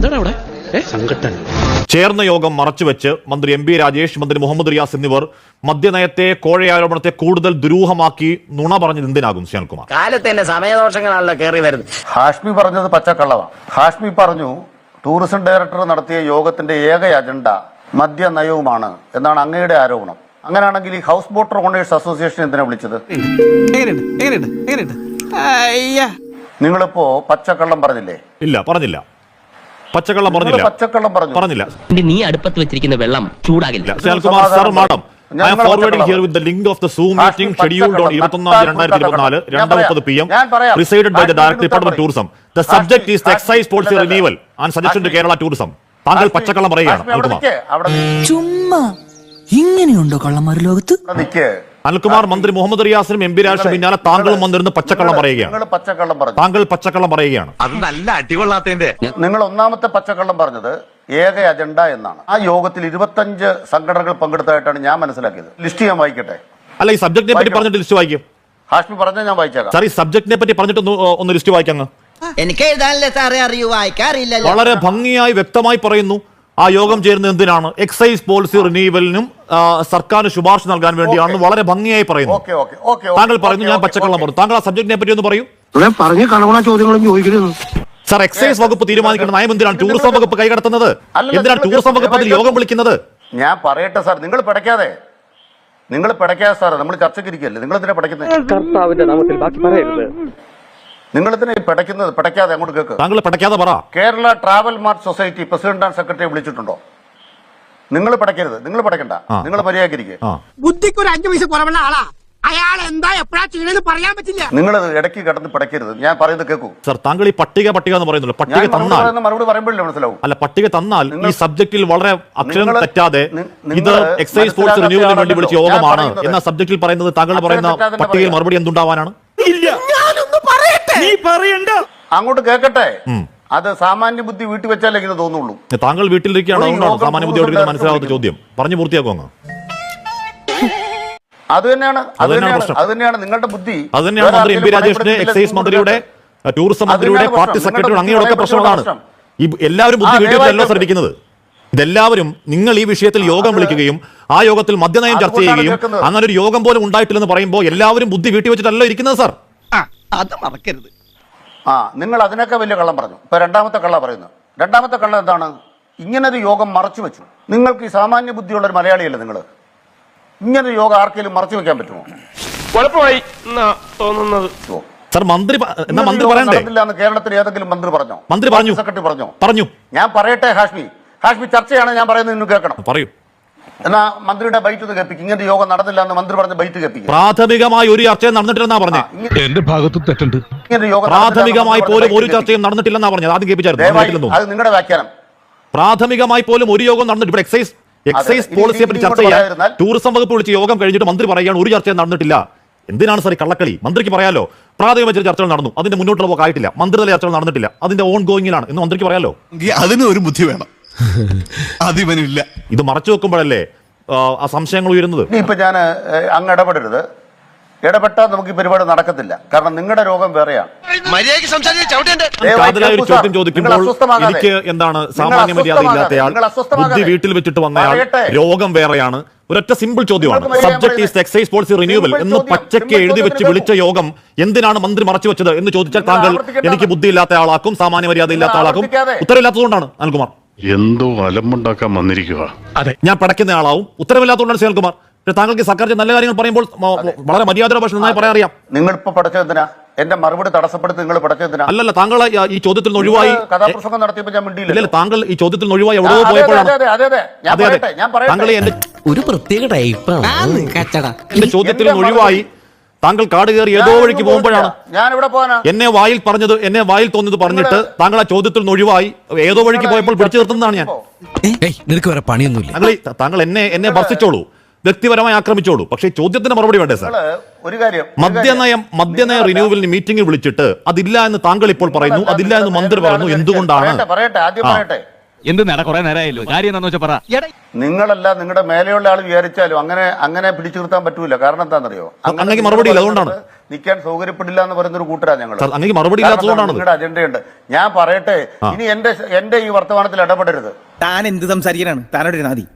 എന്താണ് അവിടെ സംഘട്ടൻ? ചേർന്ന യോഗം മറച്ചുവെച്ച് മന്ത്രി എം പി രാജേഷ്, മന്ത്രി മുഹമ്മദ് റിയാസ് എന്നിവർ മദ്യനയത്തെ, കോഴയാരോപണത്തെ കൂടുതൽ ദുരൂഹമാക്കി നുണ പറഞ്ഞത് എന്തിനാകും ശ്യാൽകുമാർ? കാലത്ത് തന്നെ സമയദോഷങ്ങളാണല്ലോ കയറി വരുന്നത്. ഹാഷ്മി പറഞ്ഞത് പച്ചക്കള്ളമാണ്. ഹാഷ്മി പറഞ്ഞു ടൂറിസം ഡയറക്ടർ നടത്തിയ യോഗത്തിന്റെ ഏക അജണ്ട മദ്യനയവുമാണ് എന്നാണ് അങ്ങയുടെ ആരോപണം. അങ്ങനെയാണെങ്കിൽ ഈ ഹൗസ് ബോട്ട് ഓണേഴ്സ് അസോസിയേഷൻ എന്തിനാ വിളിച്ചത്? നിങ്ങളിപ്പോ പച്ചക്കള്ളം പറഞ്ഞില്ലേ? ഇല്ല, പറഞ്ഞില്ല. പച്ചക്കള്ളം പറഞ്ഞില്ല. പച്ചക്കള്ളം പറഞ്ഞില്ല. നീ അടുപ്പത്ത് വെച്ചിരിക്കുന്ന വെള്ളം ചൂടാകില്ല. Shyalkumar sir, madam, I am forwarding here with the link of the Zoom meeting scheduled on 21/2024, 2:30 PM, presided by the Director Department of Tourism. The subject is the excise policy renewal and suggestion to Kerala Tourism. താങ്കൾ പച്ചക്കള്ളം പറയുകയാണ്. ചുമ്മാ ഇങ്ങനെയുണ്ടോ കള്ളന്മാർ ലോകത്ത്? അനിൽകുമാർ, മന്ത്രി മുഹമ്മദ് റിയാസിനും M P രാജേഷിനും പിന്നാലെ താങ്കളും വന്നിരുന്ന് പച്ചക്കള്ളം പറയുകയാണ്. താങ്കൾ പച്ചക്കള്ളം പറയുകയാണ്. അത് നല്ല അടികൊള്ളാത്തതിന്റെ. നിങ്ങൾ ഒന്നാമത്തെ പച്ചക്കള്ളം പറഞ്ഞത് ഏക അജണ്ട എന്നാണ്. ആ യോഗത്തിൽ 25 സംഘടനകൾ പങ്കെടുത്തതായിട്ടാണ് ഞാൻ മനസ്സിലാക്കിയത്. ലിസ്റ്റ് ഞാൻ വായിക്കട്ടെ? അല്ല, ഈ സബ്ജക്റ്റിനെ പറ്റി പറഞ്ഞിട്ട് ലിസ്റ്റ് വായിക്കും. ഹാഷ്മി പറഞ്ഞാൽ ഞാൻ വായിച്ചേക്കാം. സാർ, ഈ സബ്ജക്റ്റിനെ പറ്റി പറഞ്ഞിട്ട് ഒന്ന് ലിസ്റ്റ് വായിക്കാം. എനിക്ക് എഴുതാനല്ലേ സാറേ അറിയൂ, വായിക്കാറില്ല. വളരെ ഭംഗിയായി വ്യക്തമായി പറയുന്നു ആ യോഗം ചേരുന്നത് എന്തിനാണ്? എക്സൈസ് പോളിസി റിന്യൂവലിനും സർക്കാരിന് ശുപാർശ നൽകാൻ വേണ്ടിയാണെന്ന് വളരെ ഭംഗിയായി പറയുന്നു. താങ്കൾ പറയുന്നു ഞാൻ പച്ചക്കള്ളം പറഞ്ഞു. താങ്കൾ ആ സബ്ജക്റ്റിനെ പറ്റി ഒന്ന് പറയൂ. സാർ, എക്സൈസ് വകുപ്പ് തീരുമാനിക്കേണ്ട നയം എന്തിനാണ് ടൂറിസം വകുപ്പ് കൈകടത്തുന്നത്? എന്തിനാണ് ടൂറിസം വകുപ്പ് അതിൽ യോഗം വിളിക്കുന്നത്? ഞാൻ പറയട്ടെ സാർ, നിങ്ങൾ പിടയ്ക്കാതെ സാർ, നമ്മൾ ചർച്ചയ്ക്ക് ഇരിക്കല്ലേ, നിങ്ങൾ എന്തിനാ പിടയ്ക്കുന്നത്? നിങ്ങൾ എന്തിനാ പിടയ്ക്കാതെ അങ്ങോട്ട് കേൾക്ക്. താങ്കൾ പിടയ്ക്കാതെ പറ. Kerala travel mart society president and secretary വിളിച്ചിട്ടുണ്ടോ? നിങ്ങൾ പിടയ്ക്കരുത്, നിങ്ങൾ പിടയ്ക്കണ്ട, നിങ്ങൾ മര്യാദക്കിരിക്കുക. ബുദ്ധിക്ക് ഒരു 5 പൈസ കുറവുള്ള ആളാ. അയാൾ എന്താ എപ്പോഴാ ചെയ്യണെന്ന് പറയാൻ പറ്റില്ല. നിങ്ങൾ ഇടയ്ക്ക് കിടന്ന് പിടയ്ക്കരുത്, ഞാൻ പറയുന്നത് കേൾക്കൂ. സർ, താങ്കൾ ഈ പട്ടിക എന്ന് പറയുന്നുള്ളൂ. പട്ടിക തന്നാൽ മറുപടി പറയുമ്പോഴേ മനസ്സിലാവും. അല്ല, പട്ടിക തന്നാൽ ഈ സബ്ജക്റ്റിൽ വളരെ അക്ഷരം തെറ്റാതെ ഇത് എക്സൈസ് പോളിസി റിന്യൂവലിന് വേണ്ടി വിളിച്ച യോഗമാണ് എന്ന സബ്ജക്റ്റിൽ പറയുന്നത് താങ്കൾ പറയുന്ന പട്ടികയിൽ മറുപടി എന്തുണ്ടാവാനാണ്? അങ്ങോട്ട് കേൾക്കട്ടെ. അത് സാമാന്യ ബുദ്ധി വീട്ടിൽ വെച്ചാലേ ഇങ്ങനെ തോന്നുള്ളൂ. താങ്കൾ വീട്ടിലിരിക്കുകയാണോ സാമാന്യ ബുദ്ധിയോട് മനസ്സിലാവാത്ത ചോദ്യം? പറഞ്ഞു പൂർത്തിയാക്കുവാங்க. അത് തന്നെയാണ് നിങ്ങളുടെ ബുദ്ധി. അത് തന്നെയാണ് മന്ത്രി എം പി രാജേഷിന്റെ, എക്സൈസ് മന്ത്രിയുടെ, ടൂറിസം മന്ത്രിയുടെ, പാർട്ടി സെക്രട്ടറിയുടെ, അങ്ങനെയൊക്കെ പ്രശ്നങ്ങളാണ്. ഈ എല്ലാവരും ബുദ്ധി വീട്ടിലല്ലോ സർ ഇരിക്കുന്നത്. ഇതെല്ലാവരും നിങ്ങൾ ഈ വിഷയത്തിൽ യോഗം വിളിക്കുകയും ആ യോഗത്തിൽ മദ്യനയം ചർച്ച ചെയ്യുകയും അങ്ങനെ ഒരു യോഗം പോലും ഉണ്ടായിട്ടില്ലെന്ന് പറയുമ്പോൾ എല്ലാവരും ബുദ്ധി വീട്ടിൽ വെച്ചിട്ടല്ലോ ഇരിക്കുന്നത് സർ. അത് മറക്കരുത്. നിങ്ങൾ അതിനൊക്കെ വലിയ കള്ളം പറഞ്ഞു. ഇപ്പൊ രണ്ടാമത്തെ കള്ളം പറയുന്നു. രണ്ടാമത്തെ കള്ളം എന്താണ്? ഇങ്ങനൊരു യോഗം മറച്ചു വെച്ചു. നിങ്ങൾക്ക് ഈ സാമാന്യ ബുദ്ധിയുള്ള ഒരു മലയാളിയല്ലേ നിങ്ങൾ? ഇങ്ങനൊരു യോഗം ആർക്കെങ്കിലും മറച്ചു വെക്കാൻ പറ്റുമോ? കുഴപ്പമായി തോന്നുന്നത്. സർ, മന്ത്രി പറയണ്ടേ? കേരളത്തിൽ ഏതെങ്കിലും മന്ത്രി പറഞ്ഞോ? മന്ത്രി പറഞ്ഞു, സെക്രട്ടറി പറഞ്ഞു. ഞാൻ പറയട്ടെ ഹാഷ്മി ചർച്ചയാണ് ഞാൻ പറയുന്നത്, ഇന്ന് കേൾക്കണം. പറയൂ. എന്നാ മന്ത്രിയുടെ ബൈറ്റ് കേൾപ്പിക്കും. ഇങ്ങനത്തെ യോഗം നടന്നില്ല എന്ന് മന്ത്രി പറഞ്ഞ ബൈറ്റ് കേൾപ്പിക്കും. പ്രാഥമികമായി ഒരു ചർച്ചയും നടന്നിട്ടില്ലെന്നാ പറഞ്ഞത്. എന്റെ ഭാഗത്തും തെറ്റുണ്ട്. പ്രാഥമികമായി പോലും ഒരു ചർച്ചയും നടന്നിട്ടില്ലെന്നാ പറഞ്ഞത്. ആദ്യം കേൾപ്പിച്ചായിരുന്നു. അത് നിങ്ങളുടെ വ്യാഖ്യാനം. പ്രാഥമികമായി പോലും ഒരു യോഗം നടന്നിട്ട്. ഇവിടെ എക്സൈസ് പോളിസിയെ പറ്റി ചർച്ച ചെയ്യാൻ ടൂറിസം വകുപ്പ് വിളിച്ച് യോഗം കഴിഞ്ഞിട്ട് മന്ത്രി പറയുകയാണ് ഒരു ചർച്ചയും നടന്നിട്ടില്ല. എന്തിനാണ് സാർ ഈ കള്ളക്കളി? മന്ത്രിക്ക് പറയാലോ പ്രാഥമിക ചർച്ചകൾ നടന്നു, അതിന്റെ മുന്നോട്ടുള്ള പോക്കായിട്ടില്ല, മന്ത്രിതല ചർച്ചകൾ നടന്നിട്ടില്ല, അതിന്റെ ഓൺ ഗോയിങ്ങിലാണ് എന്ന് മന്ത്രിക്ക് പറയാലോ. അതിന് ഒരു ബുദ്ധി വേണം, അതിവനില്ല. ഇത് മറച്ചു വെക്കുമ്പോഴല്ലേ ആ സംശയങ്ങൾ ഉയരുന്നത്. ഇപ്പൊ ഞാൻ അങ്ങ് ഇടപെട്ടാൽ നമുക്ക് ഈ പരിപാടി നടക്കത്തില്ല. കാരണം നിങ്ങളുടെ രോഗം വേറെയാണ്. കാതലായ ഒരു ചോദ്യം ചോദിക്കുമ്പോൾ എനിക്ക് എന്താണ് സാമാന്യ മര്യാദ ഇല്ലാത്തയാൾ, ബുദ്ധി വീട്ടിൽ വെച്ചിട്ട് വന്നയാൾ, രോഗം വേറെയാണ്. ഒരൊറ്റ സിമ്പിൾ ചോദ്യമാണ്. Subject is excise policy renewal എന്ന് പച്ചയ്ക്ക് എഴുതി വെച്ച് വിളിച്ച യോഗം എന്തിനാണ് മന്ത്രി മറച്ചു വെച്ചത് എന്ന് ചോദിച്ചാൽ താങ്കൾ എനിക്ക് ബുദ്ധി ഇല്ലാത്ത ആളാക്കും, സാമാന്യ മര്യാദ ഇല്ലാത്ത ആളാക്കും. ഉത്തരവില്ലാത്തതുകൊണ്ടാണ് അനിൽകുമാർ. എന്തോ അലമ്പുണ്ടാക്കാൻ വന്നിരിക്കുക. ഞാൻ പടയ്ക്കുന്ന ആളാവും. ഉത്തരവില്ലാത്തതുകൊണ്ടാണ് ശ്രീകുമാർ. താങ്കൾക്ക് സർക്കാർ നല്ല കാര്യങ്ങൾ പറയുമ്പോൾ വളരെ മര്യാദയുടെ ഭാഷ നന്നായി പറയാൻ അറിയാം. നിങ്ങൾ ഇപ്പൊ പഠിച്ചതിനാ എന്റെ മറുപടി തടസ്സപ്പെടുത്തി? നിങ്ങൾ പഠിച്ചതിനാ? അല്ലല്ല, താങ്കൾ ഈ ചോദ്യത്തിൽ നിന്ന് ഒഴിവായി കഥാപ്രസംഗം നടത്തിയപ്പോൾ ഞാൻ മിണ്ടിയില്ല. താങ്കൾ ഈ ചോദ്യത്തിൽ നിന്ന് ഒഴിവായി എവിടെ പോയപ്പോഴാണ് താങ്കൾ ഒരു പ്രത്യേക ടൈപ്പാണ് എന്റെ ചോദ്യത്തിൽ നിന്ന് ഒഴിവായി താങ്കൾ കാട് കയറി ഏതോ വഴിക്ക് പോകുമ്പോഴാണ് ഞാൻ ഇവിടെ പോകാനാ എന്നെ വായിൽ തോന്നിയത് പറഞ്ഞിട്ട് താങ്കൾ ആ ചോദ്യത്തിൽ നിന്ന് ഒഴിവായി ഏതോ വഴിക്ക് പോയപ്പോൾ പിടിച്ചു നിർത്തുന്നതാണ് ഞാൻ. നിനക്ക് വേറെ പണിയൊന്നുമില്ല. താങ്കൾ എന്നെ ഭർത്തിച്ചോളൂ, വ്യക്തിപരമായി ആക്രമിച്ചോളൂ, പക്ഷേ ചോദ്യത്തിന് മറുപടി വേണ്ടേ സാർ? ഒരു കാര്യം, മദ്യനയ റിന്യൂവലിന് മീറ്റിംഗിൽ വിളിച്ചിട്ട് അതില്ല എന്ന് താങ്കൾ ഇപ്പോൾ പറയുന്നു, അതില്ല എന്ന് മന്ത്രി പറയുന്നു. എന്തുകൊണ്ടാണ്? എന്ത് കുറെ നേരമായല്ലോ, കാര്യം എന്താണെന്ന് വെച്ചാൽ പറ. നിങ്ങളല്ല നിങ്ങളുടെ മേലെയുള്ള ആൾ വിചാരിച്ചാലും അങ്ങനെ പിടിച്ചു നിർത്താൻ പറ്റൂല. കാരണം എന്താണെന്നറിയോ? അങ്ങനെ മറുപടി ഇല്ല, അതുകൊണ്ടാണ് നിൽക്കാൻ സൗകര്യപ്പെടില്ല എന്ന് പറയുന്നൊരു കൂട്ടരാ ഞങ്ങൾ. സാർ, അങ്ങേക്ക് മറുപടി ഇല്ലാത്തതുകൊണ്ടാണ് നിങ്ങളുടെ അജണ്ടയുണ്ട്. ഞാൻ പറയട്ടെ, ഇനി എന്റെ ഈ വർത്തമാനത്തിൽ ഇടപെടരുത്. താൻ എന്ത് സംസാരിക്കാനാണ് താനോട് നാദി